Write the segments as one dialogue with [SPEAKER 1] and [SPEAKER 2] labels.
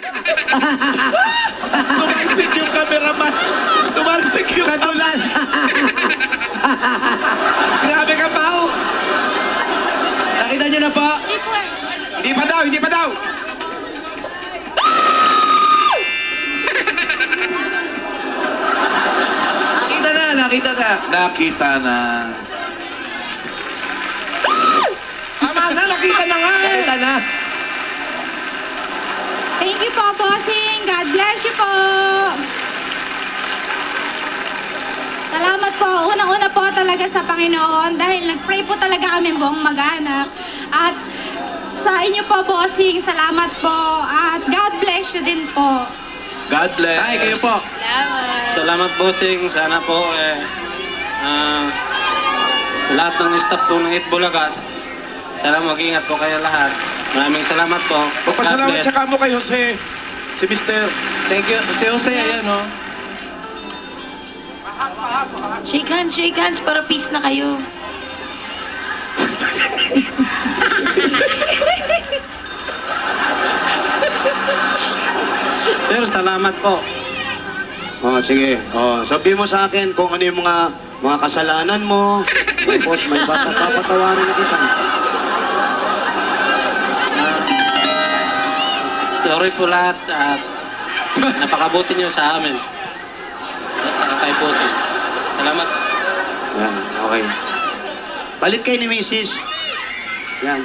[SPEAKER 1] Tumagsik yung cameraman. Tumagsik yung
[SPEAKER 2] Nadulas.
[SPEAKER 1] Grabe ka, Pao.
[SPEAKER 2] Nakita niyo na po?
[SPEAKER 3] Hindi po eh.
[SPEAKER 1] Hindi pa daw, hindi pa daw.
[SPEAKER 2] Nakita na, nakita na.
[SPEAKER 1] Nakita na. Tama na, nakita na nga eh.
[SPEAKER 2] Nakita na.
[SPEAKER 3] Thank you po, bossing. God bless you po. Salamat po. Unang-una po talaga sa Panginoon dahil nag-pray po talaga kami buong mag-anak. At sa inyo po, bossing, salamat po. At God bless you din po.
[SPEAKER 1] God bless.
[SPEAKER 2] Ay, kayo po.
[SPEAKER 3] Salamat.
[SPEAKER 4] Salamat, bossing. Sana po, sa lahat ng staff po ng Itbulaga, sana mag-ingat po kayo lahat. Maraming salamat po. God
[SPEAKER 1] Magpasalamat
[SPEAKER 4] bless.
[SPEAKER 1] siya kamo kay Jose. Si Mister.
[SPEAKER 2] Thank you. Si Jose, ayan o.
[SPEAKER 3] Shake hands para peace na kayo.
[SPEAKER 4] Sir, salamat po.
[SPEAKER 5] Oh, sige. Oh, sabi mo sa akin kung ano yung mga kasalanan mo. Tapos may papatawarin na kita.
[SPEAKER 4] Sorry po lahat at napakabuti niyo sa amin. At saka kay bossing. Salamat.
[SPEAKER 5] Yan, okay. Palit kayo ni Mrs. Yan.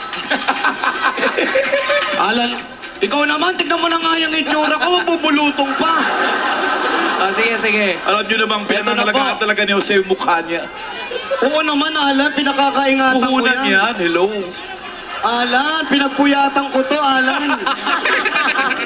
[SPEAKER 5] Alan, ikaw naman, tignan mo na nga yung itsura ko, mabubulutong pa.
[SPEAKER 2] Oh, sige, sige.
[SPEAKER 1] Alam nyo namang
[SPEAKER 5] Eto na
[SPEAKER 1] pinangalagaan
[SPEAKER 5] po.
[SPEAKER 1] talaga ni Jose yung mukha niya.
[SPEAKER 5] Oo naman, Alan, pinakakaingatan ko
[SPEAKER 1] Puhunan
[SPEAKER 5] yan.
[SPEAKER 1] yan. Hello.
[SPEAKER 5] Alan, pinagpuyatan ko to, Alan.